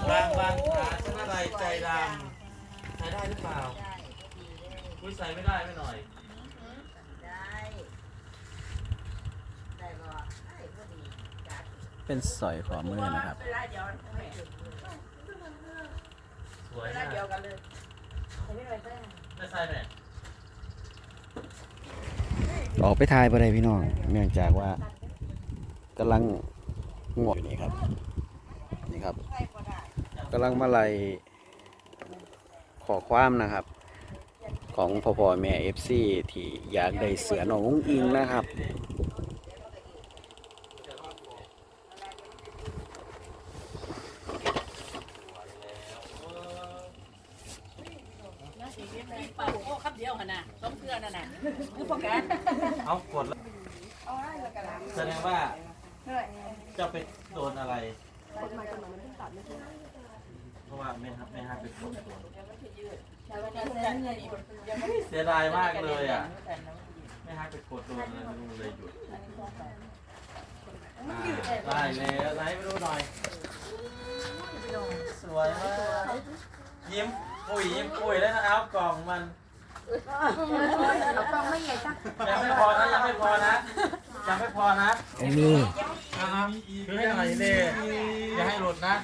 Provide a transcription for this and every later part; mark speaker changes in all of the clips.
Speaker 1: บางขาชนะไรใจดำใช้ได้หรือเปล่าอุ้ยใส่ไม่ได้ไม่หน่อย
Speaker 2: เป็นสอยขอมือนะครับ
Speaker 1: สวยมากไม่ใส่ไหม
Speaker 2: ออกไปทายไปเลยพี่น้องเนื่องจากว่ากำลังง่วงอยู่นี่ครับนี่ครับกำลังมาไล่ขอความนะครับของพ่อแม่ FC ที่อยากได้เสือน้องอุ้งอิงนะครับ
Speaker 3: โอ้ครับเดียวขนาดต้องเพื่อนน่ะคือพวกแก
Speaker 1: เอากดแล้วแสดงว่าจะไปโดนอะไรเพราะว่าไม่ให้ไปกดเสียดายมากเลยอ่ะไม่ให้ไปกดโดนอะไรเลยหยุดได้แล้วไหนไปดูหน่อยสวยมากยิ้มปุ๋ยแล้วนะเอากล่องมัน
Speaker 4: เอากล้องไม่ใหญ่จ้ะ
Speaker 1: ยังไม่พอนะ
Speaker 2: มี
Speaker 1: คือให้หน่อยนี่อย่าให้หลุดนะ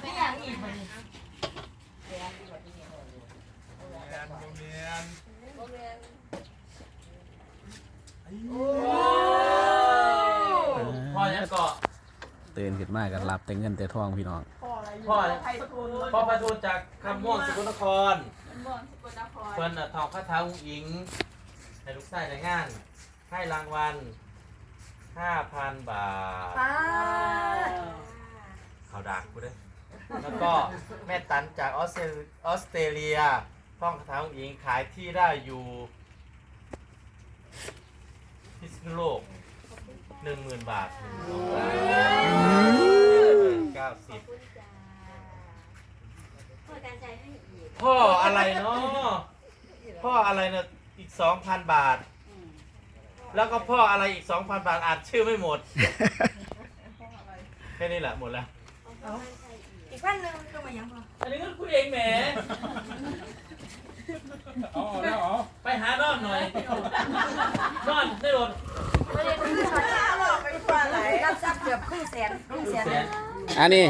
Speaker 1: พ่อยังเกาะ
Speaker 2: ตื่นขึ้นมากันรับแต่เงินแต่ทองพี่น้อง
Speaker 1: พ่อพระทูลจากคำม่วงสกลนครเพิ่นทองพระเท้าอุ้งอิงในลูกไส้ในงานให้รางวัล 5,000 บาทข่าวดักกูด้วยแล้วก็แม่ตันจากออสเตรเลียท่องคาถาอุ้งอิงขายที่ได้อยู่พิษณุโลก 10,000 บาท90พ่ออะไรเนาะพ่ออะไรเนาะอีก 2,000 บาทแล้วก็พ่ออะไรอีก 2,000 บาทอ่านชื่อไม่หมดแค่นี้แหละหมดแล้ว
Speaker 4: อีกวันนึงก็มายังพอ
Speaker 1: อันนี้ก็คุยเองแหมไปหานอนหน่อยนอนได้หมด
Speaker 4: ไม่ได้คุยไปทั่วไหนรับทรัพย์เกือบครึ่งแสน
Speaker 2: อันนี้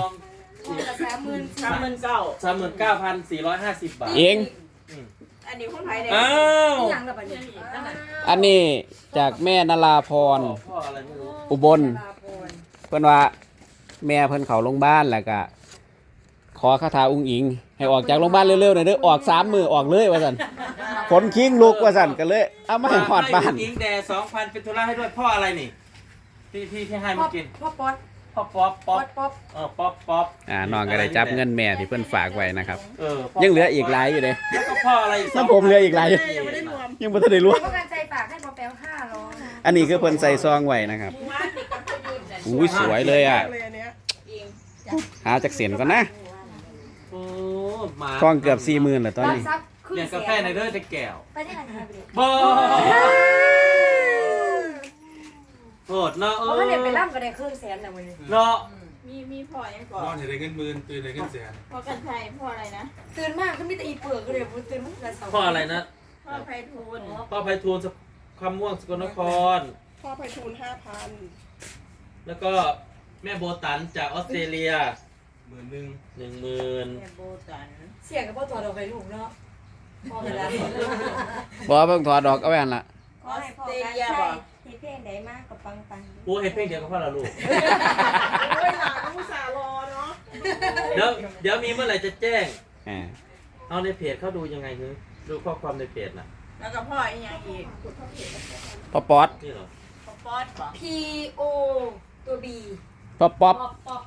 Speaker 1: 39,450 บาท
Speaker 2: เอง
Speaker 4: อันนี้คนไทยเด็ก
Speaker 1: อ้าว
Speaker 2: อันนี้จากแม่นราพรอุบลเพิ่นว่าแม่เพิ่นเข้าโรงพยาบาลแล้วก็ขอคาถาอุ้งอิงให้ออกจากโรงพยาบาลเร็วๆหน่อยเด้อออก3 มื้อออกเลยว่าซั่นขนคิงลุกว่าซั่นก็เลยเอามาให้ฮอดบ้าน
Speaker 1: อิงแด 2,000 เป็นธุระให้ด้วยพ่ออะไรนี่ที่ให้มากิน
Speaker 4: พ่อป๊อป
Speaker 1: ป๊อป
Speaker 2: น้องก็ได้จับเงินแม่ที่เพิ่นฝากไว้นะครับยังเหลืออีกหลายอยู่เด้
Speaker 1: แล้วก็พ่ออะไร
Speaker 2: น้ำผมเหลืออีกหลายยังบ่ทันได้รวม
Speaker 4: ประกันใจฝากให้พ่อแป๊ว500
Speaker 2: อันนี้คือเพิ่นใส่ซองไว้นะครับอุ้ยสวยเลยอ่ะหาจากเสียนก่อนนะทองเกือบ 40,000แล้วตอนนี้
Speaker 1: เลี้ยงกาแฟในเด้อจะแก้ว
Speaker 4: ไปที่ไหนครับ
Speaker 1: บ่โหดเนาะ
Speaker 4: เพราะว่าเนี่ยไปร่ำก็ได้ครึ่งแสนนะวันนี้
Speaker 1: เนาะ
Speaker 3: มีพ่อยังก่อน
Speaker 5: นอนได้เงินหมื่นตื่นได้เงินแสน
Speaker 3: พ่อกันชัยพ่ออะไรนะ
Speaker 4: ตื่นมากก็มีแต่อีเปลือกก็เลยตื่นมากแต่
Speaker 1: พ่ออะไรนะ
Speaker 3: พ่อไพฑูรย์
Speaker 1: คำม่วงสกลนคร
Speaker 3: พ่อไพฑูรย์5,000
Speaker 1: แล้วก็แม่โบตันจากออสเตรเลีย10,000
Speaker 3: แม่โบตัน
Speaker 4: เสียกับพ่อตัวเราไปลูกเนาะพ่อเวลา
Speaker 2: บ่เพิ่งถอดดอกเอาไว้หั่นล่ะ
Speaker 4: ออสเตรเลียบ่เฮ็ดเพลงได้มากกับปัง
Speaker 1: โอ้เฮ็ดเพลงเดียวกับพ่อละลูก
Speaker 3: โอ้ยหลานอุตส่าห์รอเนาะ
Speaker 1: เดี๋ยวมีเมื่อไหร่จะแจ้งเอาในเพจเขาดูยังไงคือดูข้อความในเพจน่ะ
Speaker 3: แล้วก็พ่ออีกอย่างอีก
Speaker 2: พ่อป๊อด
Speaker 1: นี่เหรอ
Speaker 3: พ่อป๊อดป่ะ
Speaker 4: PO ตัว B
Speaker 2: พ่อป๊อป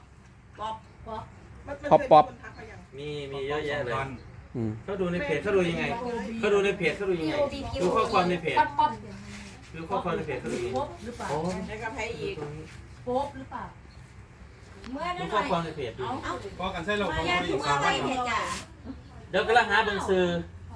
Speaker 1: มีเยอะแยะเลยเขาดูในเพจเขาดูยังไงดูข้อความในเพจดูข้อความในเพจเขาดูยังไง
Speaker 3: โอ้แล้วก็ใครอีก
Speaker 4: โป๊บหรือเปล่า
Speaker 1: เมื่อนั้นข้อความในเพจดู
Speaker 5: ก็กันใส่เราของ
Speaker 4: อีก3,000
Speaker 1: เดี๋ยวกำลังหาเบิ่งซื้อ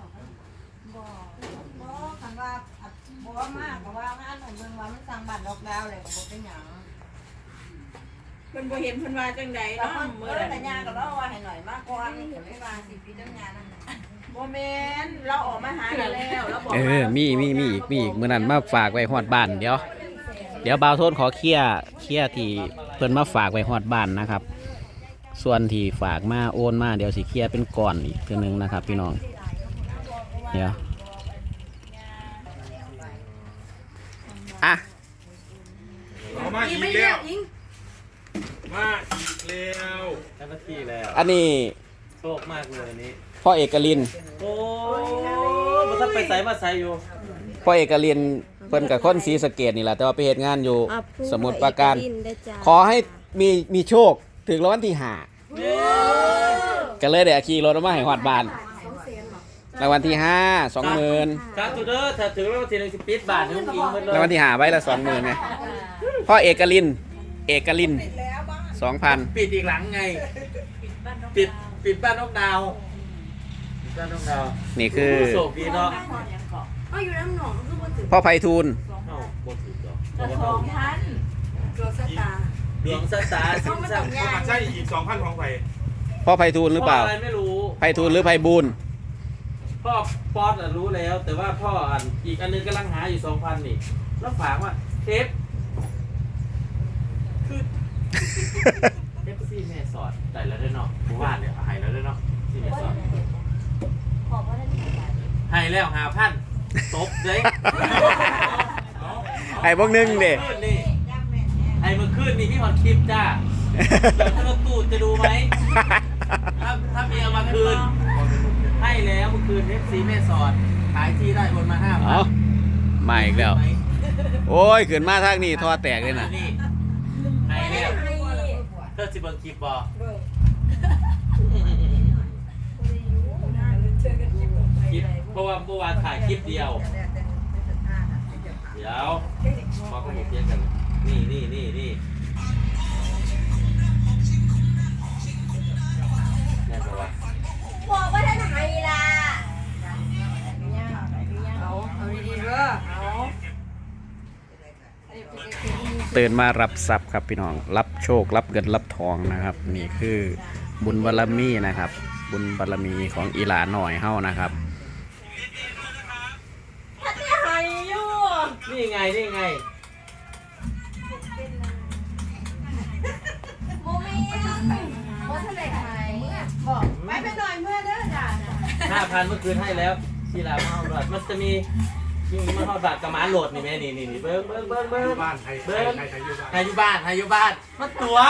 Speaker 4: บ่คันว่าบ่มากก็ว่าอันนั้นเบิ่งว่ามันสร้างบ้านดอกดาวเลยก็บ่เป็นหยังเพิ่นบ่เห็นเพิ่นว่าจังใดเนาะมื้อนั้นย่าก็เล่าว่าให้หน่อยมากกว่านี่ก็ไม่ว่าสิพี่จังงานนั่นน่ะบ่แม่นเราออกมาหากันแล้วเราบอกว่า
Speaker 2: มีอีกมื้อนั้นมาฝากไว้ฮอดบ้านเดี๋ยวบ่าวโทนขอเคลียร์ที่เพิ่นมาฝากไว้ฮอดบ้านนะครับ ส่วนที่ฝากมาโอนมาเดี๋ยวสิเคลียร์เป็นก้อนอีกเทื่อนึงนะครับพี่น้องเดี๋ยวอ่ะ
Speaker 5: เอามาอีกแล้วมาอีกแล้ว
Speaker 1: ได้มาที่แล้ว
Speaker 2: อันนี้
Speaker 1: โชคมากเลยอันนี้
Speaker 2: พ่อเอกลิน
Speaker 1: โอ้มันถ้าไปใส่มาใส่อยู่
Speaker 2: พ่อเอกลินเพิ่นกับคนศรีสะเกษนี่แหละแต่ว่าไปเฮ็ดงานอยู่สมุทรปราการขอให้มีโชคถึงรางวัลที่5ก็เลยได้ขี่รถออกมาให้ฮอดบ้านรางวัลที่5 20,000
Speaker 1: สาธุเด้อถ้าถึงแล้วทีนึงสิปิดบาทให้ลุงอิงหมดเลย
Speaker 2: รางวัลที่5ใบละ20,000ไงพ่อเอกลิน 2,000
Speaker 1: ปิดอีกหลังไง ปิดบ้านนกดาวปิดบ้านนกดาว
Speaker 2: นี่คือ
Speaker 1: โชคดีเนาะ
Speaker 4: เอาอยู่น้ำหนองคือบ่ถึง
Speaker 2: พ่อไพฑูรย์
Speaker 1: เอ้าบ่ถูกดอก
Speaker 4: 2,000ตัวสตาร์
Speaker 1: ดวงสตาร์สินสัง
Speaker 5: เอามาใช่อีก 2,000 ของไผ่
Speaker 2: พ่อไพฑูรย์หรือเปล่า
Speaker 1: พ่อะไรไม่รู้
Speaker 2: ไพฑูรย์หรือไพบูลย์
Speaker 1: พ่อป๊อตรู้แล้ว แต่ว่าพ่ออีกอันนึงกำลังหาอยู่ 2,000 นี่ แล้วฝากว่าเทปคือเทปซี่แม่สอดได้แล้วด้วยเนาะผู้ว่าเนี่ยหายแล้วด้วยเนาะซี่แม่สอด
Speaker 4: ขอบว่าได้
Speaker 1: หายแล้ว5,000ตบเลย
Speaker 2: ไอ้พวกนึงเด้
Speaker 1: ไอ้เมื่อคืนนี่พี่ฮอนคลิปจ้าเดี๋ยวรถตู้จะดูไหมถ้ามีเอามาคืน ให้แล้วเมื่อคืนเอฟซีแม่สอดขายที่ได้โอนมา
Speaker 2: เอา
Speaker 1: 5,000
Speaker 2: มาอีกแล้ว โอ้ยขึ้นมาทางนี้ท่อแตกเลยนะ
Speaker 1: นี่ให้แล้วเธอสิเบิ่งคลิปบ่คลิปเพราะว่าเมื่อวานถ่ายคลิปเดียว เดี๋ยวพอเขาบอกเรียกกัน นี่แม่บอกว่า
Speaker 4: บอกว่าท่านไห้ล่ะเอาดีๆเด้อเอา
Speaker 2: ตื่นมารับทรัพย์ครับพี่น้อง รับโชครับเงินรับทองนะครับ นี่คือบุญบารมีนะครับ บุญบารมีของอีหลาหน่อยเฮานะครับ
Speaker 4: ท่านไห้อยู่
Speaker 1: นี่ไง
Speaker 4: โมเมนต์ว่าท่านไหนไห้บอกไปไปหน่อยเมื่อเด้อจ้า
Speaker 1: 5,000เมื่อคืนให้แล้วที่ลาวมาเอาบัตรมันจะมีมันเอาบัตรกับหมาโหลดนี่แม่นี่เบิ้ง
Speaker 5: บ้านไทยอยู่บ้าน
Speaker 1: ให้อยู่บ้านมันตัว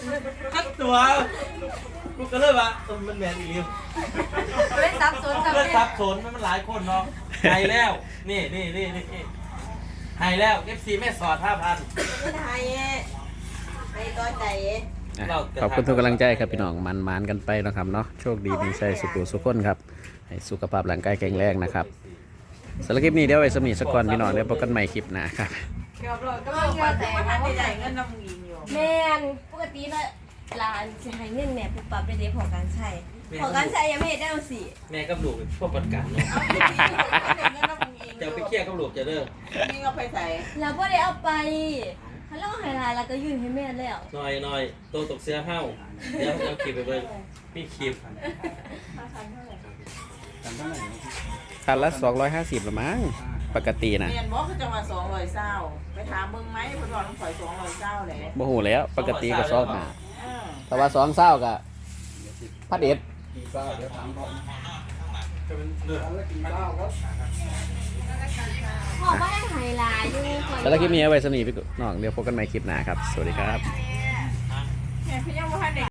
Speaker 1: กูก็เลยว่ามันแมนอีกแล้ว
Speaker 4: เล่นซับซ้อน
Speaker 1: เพื่อนทับสนมันหลายคนเนาะให้แล้วนี่ให้แล้วFCแม่สอด 5,000
Speaker 4: ไห้ไห้ตัวใจ
Speaker 2: ขอบคุณทุกกำลังใจครับพี่น้องมันกันไปนะครับเนาะโชคดีมีชัยสุขสุขคนครับให้สุขภาพร่างกายแข็งแรงนะครับสำหรับคลิปนี้เดี๋ยวไว้สำนีสักก่อนพี่น้องเดี๋ยวพบกันใหม่คลิปหน้าครับ
Speaker 4: เกือบเลยก็เงินแต่ว่าท่านใหญ่เงินน้ำงินอยู่
Speaker 6: แม่นปกติเนาะร้านสิให้เงินแม่ปุ๊บปั๊บได้เด้พอการใช้พอการใช้ยังไม่เฮ็ดได้เอาสิ
Speaker 1: แม่กับลูกพวกประกันเนาะ
Speaker 4: เอาดีๆเงินน้ำงิน
Speaker 1: จะไปเคลียร์กับลูกจะเด้อ
Speaker 4: นี่เอาไปใส่
Speaker 6: เราบ่ได้เอาไปถ้าเราให้หลายเราก็ยื่นให้แม่แล้ว
Speaker 1: หน่อยโตตกเสื้อเฮาเดี๋ยวเอาคลิปไปเบิ่งมีคลิป
Speaker 2: คันละ250ละมั้งปกตินะ
Speaker 4: เรียนบอกเขาจะมา200เศร้าไปถามมึงไหมเพิ่นบอกต้องปล่อย200เศร้าแหละ
Speaker 2: บ่ฮู้แล้วปกติก็2หา
Speaker 4: เออ
Speaker 2: แต่ว่า2เศร้าก็พัดเอ็ด
Speaker 6: พอบ่ได้ให้หลายอยู่ข่อย
Speaker 2: สำหรับคลิปนี้เอาไว้สำนีพี่น้องเดี๋ยวพบกันใหม่คลิปหน้าครับสวัสดีครับ
Speaker 4: แม่พี่ยังบ่ทันได้